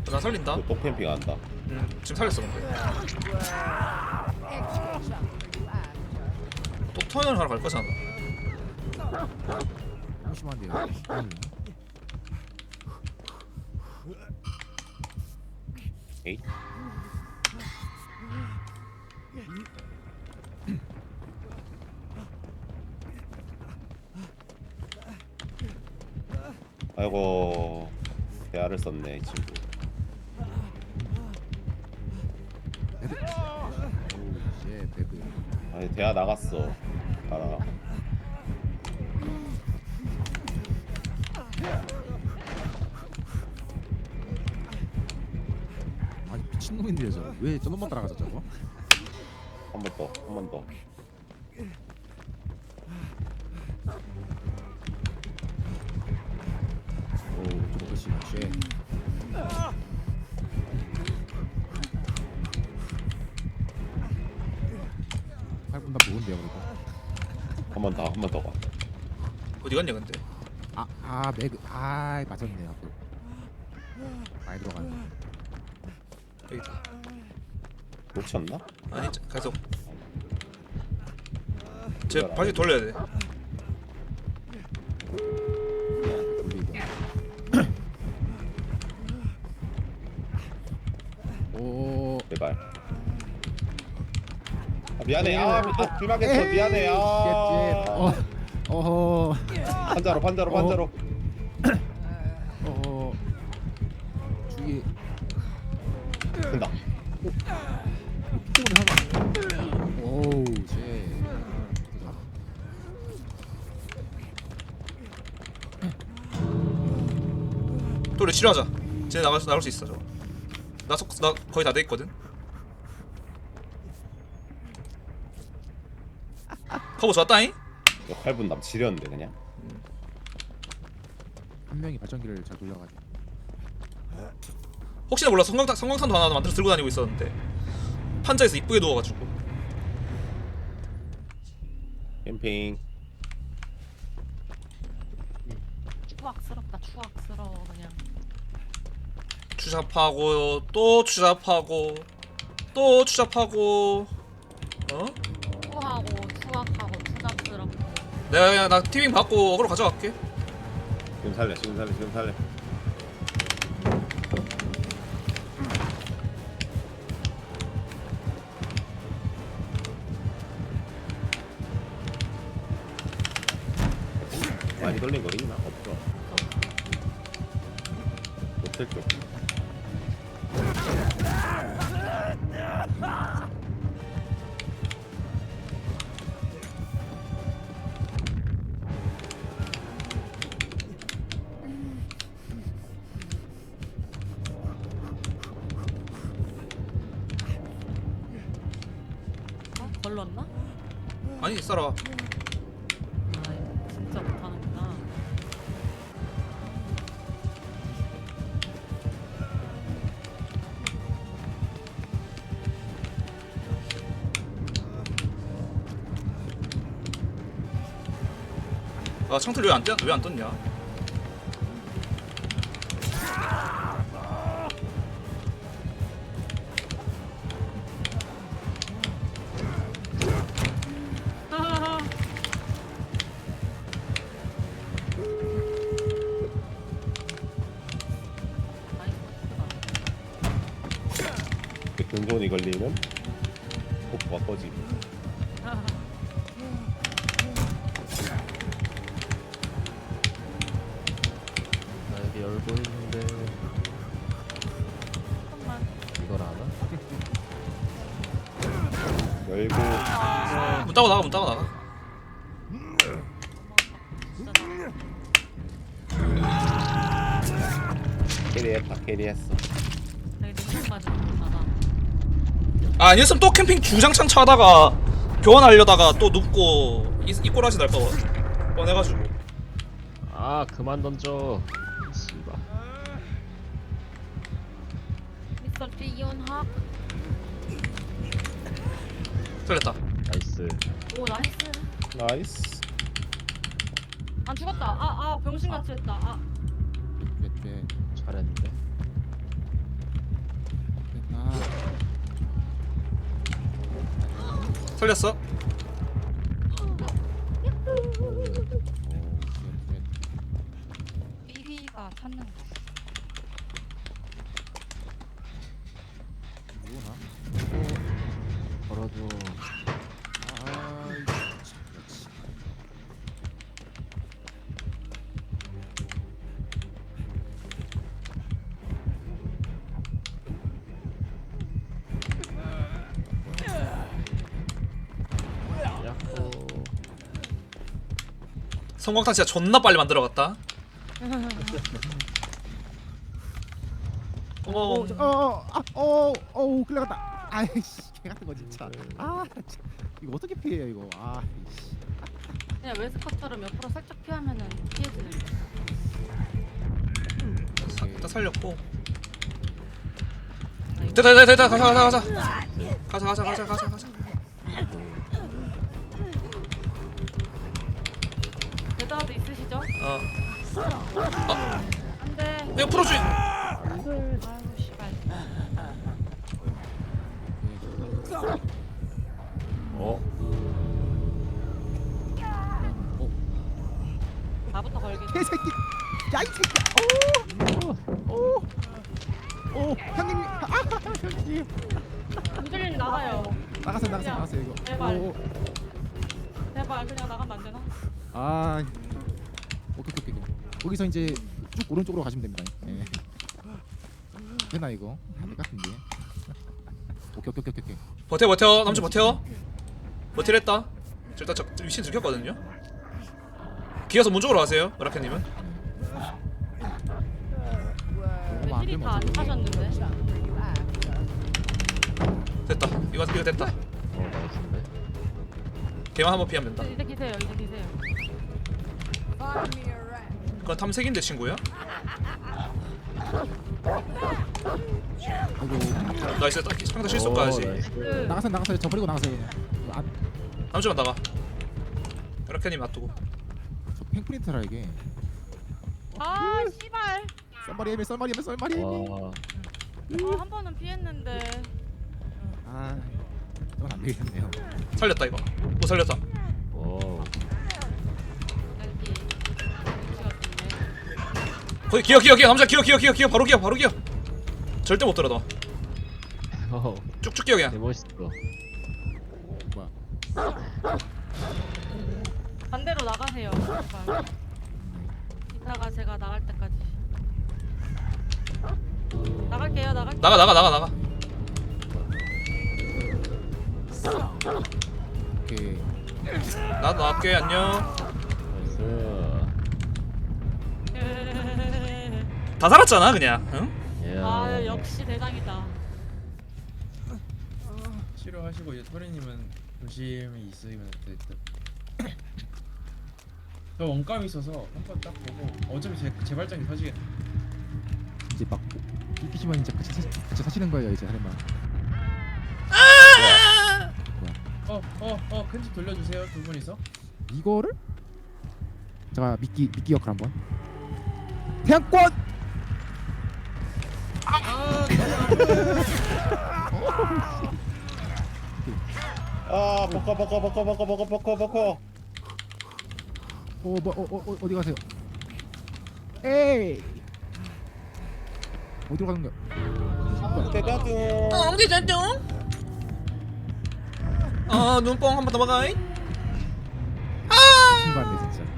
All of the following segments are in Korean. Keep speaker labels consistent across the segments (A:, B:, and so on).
A: 나 살린다.
B: 또 캠핑 한다.
A: 지금 살렸어 근데. 또 터널 하러 갈 거잖아.
C: 너무 심한데요.
B: 에이. 아이고 대화를 썼네 이 친구.
C: 배드. 예, 배드.
B: 아니 대화 나갔어. 알아.
C: 아니 미친놈인데요 저거. 왜 저놈만 따라가죠 저거?
B: 한 번 더, 한 번 더.
C: 오 저거 씨. 쉐. 팔분 다 좋은데요 그리고.
B: 한 번 더, 한 번 더 가.
A: 어디 갔냐 근데?
C: 매그. 맞았네요. 또. 많이 들어가네.
A: 여기다.
B: 놓쳤나?
A: 아니 계속. 제 바퀴 돌려야 돼.
C: 돌리고. 오.
B: 제발. 아, 미안해. 귀마겠어. 미안해.
C: 어허.
B: 판자로, 판자로, 판자로.
C: 어허. 주위.
B: 된다.
C: 오우 쟤.
A: 또 우리 치료하자. 쟤 나갈 수 있어 저거. 나 거의 다 돼 있거든. 커버 좋았다잉.
B: 8분 남 지렸는데 그냥.
C: 한 명이 발전기를 잘 돌려가지고.
A: 혹시나 몰라 성광탄도 하나 만들어 들고 다니고 있었는데 판자에서 이쁘게 누워가지고.
B: 캠핑.
D: 추악스럽다. 추악스러워 그냥.
A: 추잡하고 또 추잡하고 또 추잡하고. 어?
D: 추하고 추악하고 추잡스럽고.
A: 내가 그냥 나 티빙 받고 어그로 가져갈게.
B: 지금 살래, 지금 살래, 지금 살래. 많이 돌린 거 있나? 없어. 호텔 쪽.
D: 걸렀나?
A: 아니 쌀아.
D: 아 진짜 못하는구나.
A: 아 창틀 왜안 떴냐?
B: 근손이 걸리면 폭포가 꺼지고.
E: 나 여기 열고 있는데
D: 잠깐만.
E: 이걸 안 와?
B: 열고
A: 문 따고 나가 문 따고 나가.
B: 캐리했다, 캐리했어.
D: 내가 능력 맞은 거잖아.
A: 아 아니었으면 또 캠핑 주장창 차다가 교환하려다가 또 눕고 이 꼬라지 날까 뻔해가지고.
E: 아 그만 던져 씨발.
D: 미스터 지윤학.
A: 틀렸다.
E: 나이스.
D: 오 나이스.
B: 나이스.
D: 안 죽었다. 병신같이 했다.
C: 꽤.
E: 잘했는데.
A: 살렸어.
D: 삐삐가 찾는 거.
C: 뭐나?
E: 걸어줘.
C: 아이 참, 그렇지.
E: 야호.
A: 성광탄 진짜 존나 빨리 만들어갔다.
C: 끌려갔다. 아이씨, 개 같은 거 진짜. 아, 참. 이거 어떻게 피해요 이거? 아, 이씨.
D: 그냥 웨스커처럼 옆으로 살짝 피하면은 피해지는 거.
A: 일단 살렸고. 됐다. 가자. 가자.
D: 대다도 있으시죠? 안돼.
A: 내가 풀어줘.
D: 아이고 씨발.
E: 어?
D: 나부터 걸게.
C: 개새끼. 야, 이 새끼야. 오, 형님. 형님.
D: 우들님 나가요.
C: 나가세요 이거.
D: 제발.
C: 오.
D: 제발 그냥 나가면 안 되나?
C: 아, 오케이. 거기서 이제 쭉 오른쪽으로 가시면 됩니다. 예. 되나 이거? 안될 같은데. 오케이.
A: 버텨. 남친 버텨. 버티랬다. 일단 저 위치 들켰거든요. 기어서 문 쪽으로 가세요. 라켓님은.
C: 너무 안
D: 힐이
C: 되면
D: 다안
C: 어떡해.
D: 타셨는데?
A: 됐다. 이거 됐다.
E: 나이스인데.
A: 걔만 한번 피하면 된다.
D: 이제 기세요.
A: 그건 탐색인데 친구야.
C: 아이고.
A: 나이스. 딱 상대 실수까지.
E: 나이스.
C: 나가세요. 저 버리고 나가세요. 이거
A: 남친만 나가. 라켓님 놔두고.
C: 저 팽프린트라 이게.
D: 아 씨발.
C: 썰마리.
E: 와.
D: 한 번은 피했는데.
C: 아, 이건 안 되겠네요.
A: 살렸다 이거. 못 살렸다.
E: 오.
D: 여기. 위치가 좋네.
A: 거기 기어. 남자 기어. 바로 기어. 절대 못 들어 너. 쭉쭉 기어 그냥.
E: 개 멋있어.
C: 뭐야?
D: 반대로 나가세요. 제발. 이따가 제가 나갈 때까지. 나갈게요.
A: 나가.
C: 오케이.
A: 나도 나갈게. 안녕.
E: 나이스.
A: 다 살았잖아 그냥. 응?
D: 아 역시 대장이다.
F: 치료하시고 이제 토리님은 조심히 있으면 돼. 저 원감이 있어서 한번 딱 보고 어차피 제 발전기 터지겠네.
C: 이제 막 이기시면 이제 같이 사시는 거예요 이제 하는 말.
F: 큰 집 돌려주세요 두 분이서.
C: 이거를 제가 미끼 역할 한번. 태양권.
B: 아 버커.
C: 어디 가세요? 에이. 어디로 가는 거야?
B: 대다둥.
A: 어디 됐죠? 눈뽕 한 번 더 막아이.
C: 신발네 진짜.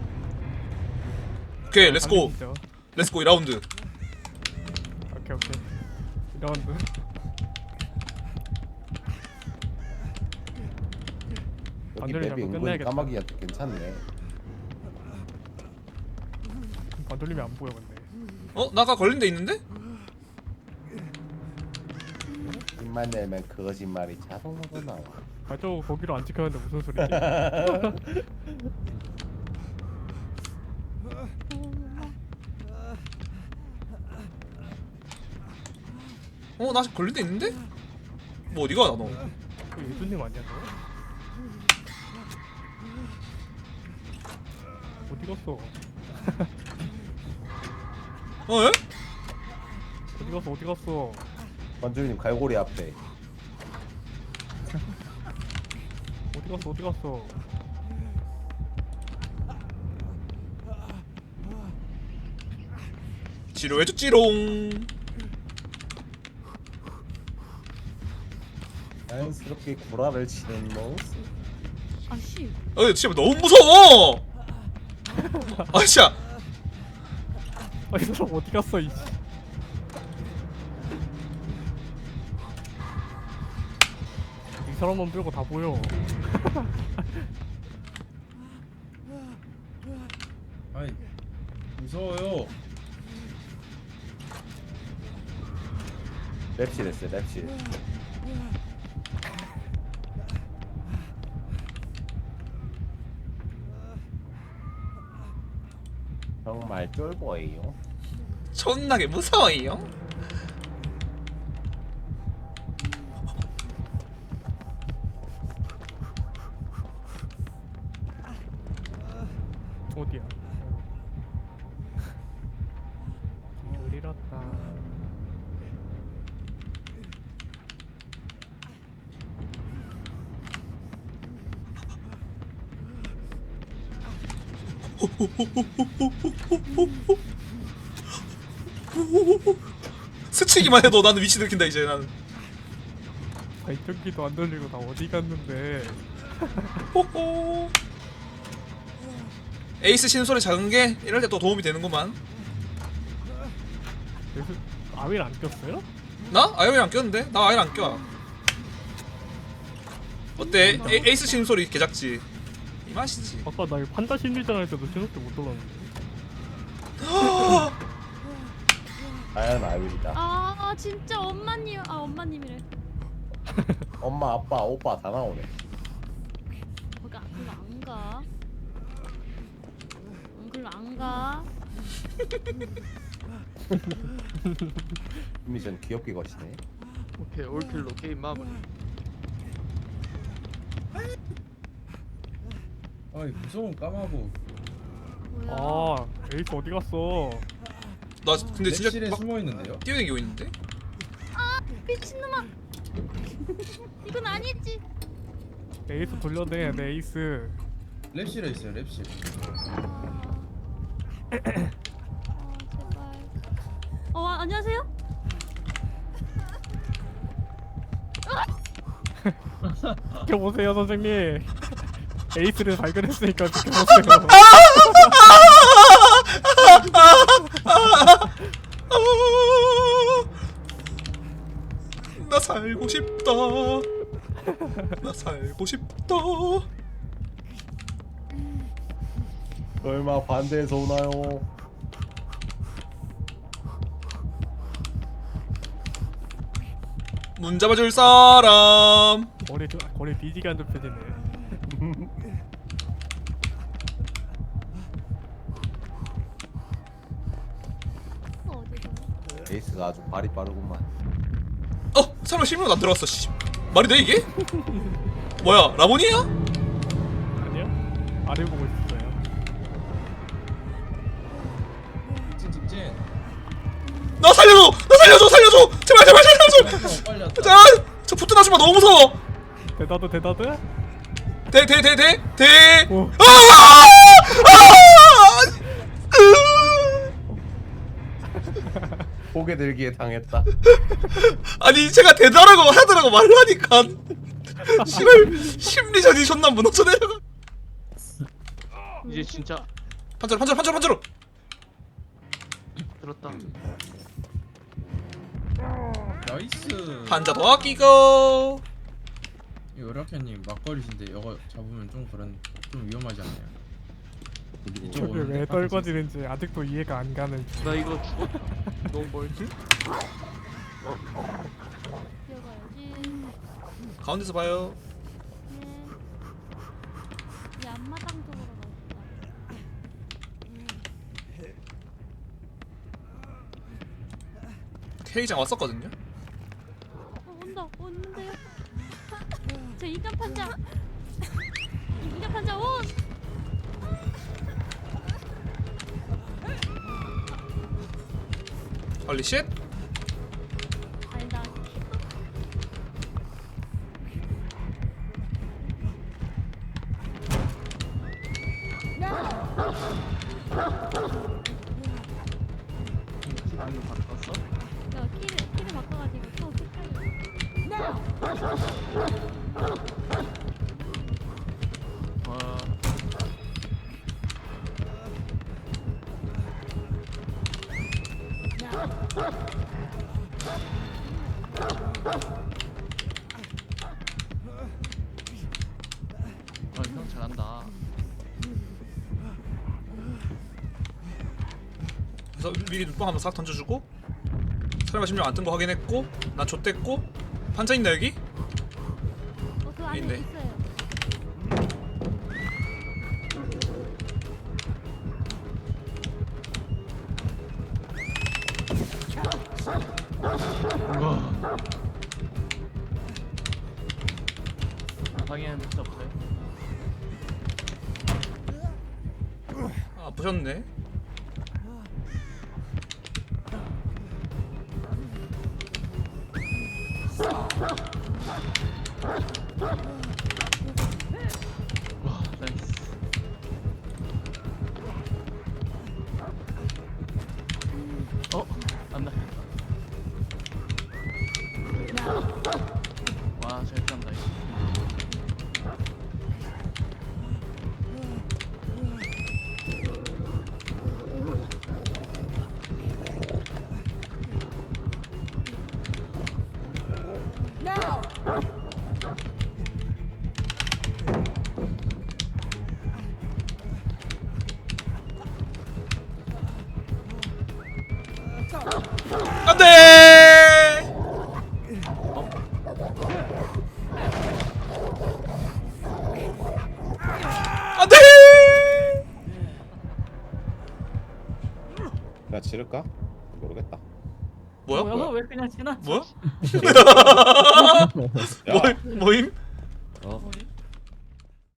A: 오케이 렛츠고 2라운드.
G: 오케이 2라운드.
B: 여기
G: 반돌리면
B: 맵이 은근히
G: 끝내야겠다.
B: 까마귀가 괜찮네.
G: 반돌림이 안 보여 근데.
A: 나가 걸린 데 있는데?
B: 입만 내면 거짓말이 자동으로 나와.
G: 발자국 거기로 안 찍혔는데 무슨 소리지?
A: 나 아직 걸린 데 있는데? 뭐 어디가 나 너?
G: 그 예수님 아니야 너? 어디 갔어?
A: 에?
G: 어디 갔어?
B: 원주님 갈고리 앞에.
G: 어디 갔어?
A: 치료해줬지롱.
B: 자연스럽게 구라를 치는 모습.
D: 아씨.
A: 진짜 너무 무서워. 아 진짜.
G: 아, 이 사람 어디 갔어 이. 이 사람만 빼고 다 보여.
F: 아이 무서워요.
B: 랩실 했어요 랩실. 정말 쫄보예요.
A: 존나게 무서워요.
G: 어디야? 길 잃었다.
A: 스치기만 해도 나는 위치 들킨다 이제 나는.
G: 발전기도 안 돌리고 나 어디 갔는데?
A: 호호. 에이스 신소리 작은 게 이럴 때 또 도움이 되는구만.
G: 그래서 아윌 안 꼈어요?
A: 나? 아이언 안 꼈는데? 나 아이언 안 껴. 어때? 에이스 신소리 개작지. 이 맛이지.
G: 아까 나 이거 판다 심리전 할 때도 신호대 못 돌았는데.
B: 아연 아윌이다.
D: 아 진짜 엄마님. 아 엄마님이래.
B: 엄마 아빠 오빠 다 나오네.
D: 거기 글로 안 가. 글로 안 가.
B: 미션 귀엽게 거시네.
H: 오케이 올킬로 게임 마무리.
F: 아이 무서운 까마고.
D: 뭐야?
G: 아 에이스 어디 갔어?
A: 나 근데 진짜
F: 랩실에
A: 막
F: 숨어 있는데요?
A: 뛰어다니고 있는데?
D: 미친놈아. 이건 아니지.
G: 에이스 돌려내 내 에이스.
F: 랩실에 있어요 랩실.
D: 제발. 안녕하세요.
G: 지켜보세요 선생님. 에이스를 발견했으니까 지켜보세요.
A: 나 살고 싶다. 나 살고 싶다.
B: 얼마 반대해서 오나요?
A: 문 잡아줄 사람.
G: 거리 뒤지게 안 좁혀지네.
B: 에이스가 아주 발이 빠르구만.
A: 설마 실명 안 들어갔어. 씨. 말이 돼 이게? 뭐야 라본이야?
G: 아니요? 아래 보고 있었어요.
F: 직진 직진.
A: 나 살려줘! 나 살려줘! 살려줘! 제발 제발 살려줘!
F: 빨리 왔다.
A: 자, 저 붙은 아줌마 너무 무서워.
G: 대다드.
A: 대.
G: 오.
B: 고개 들기에 당했다.
A: 아니 제가 대다라고 하더라고 말하니까 씨발 심리전이 존나 무너져 내려가.
H: 이제 진짜
A: 판자로
H: 들었다.
F: 나이스.
A: 판자 더 아끼고.
F: 이 오라케님 막걸리신데 이거 잡으면 좀 위험하지 않나요? 이쪽
G: 저게
F: 오는데
G: 왜
F: 깜빡이
G: 떨궈지는지 아직도 이해가 안 가는.
H: 나 이거 죽었다. 너무 멀지?
D: 뛰어가야지.
A: 가운데서 봐요.
D: 이 앞마당 쪽으로 가자.
A: K장 왔었거든요.
D: 온다. 오는데요. 저 인간 판자. 인간 판자 온.
A: 헐리 쉣.
D: 아니다.
H: 와. 형 잘한다.
A: 그래서 미리 눈뽕 한번 싹 던져주고 설마 심령 안 뜬 거 확인했고 난 좆됐고 판자 있나 여기?
D: 그 안에
A: 있네.
D: 있어요.
H: 방에는 진짜 없어요.
A: 아 부셨네.
H: 와, 나이스. 안 나겠다. 와, 잘 짠다 이거.
A: 안돼. 안돼.
B: 나 지를까? 모르겠다.
A: 뭐야?
H: 뭐야? 왜 그냥 지나?
A: 뭐야?
B: 야,
A: 뭐임?
E: 어?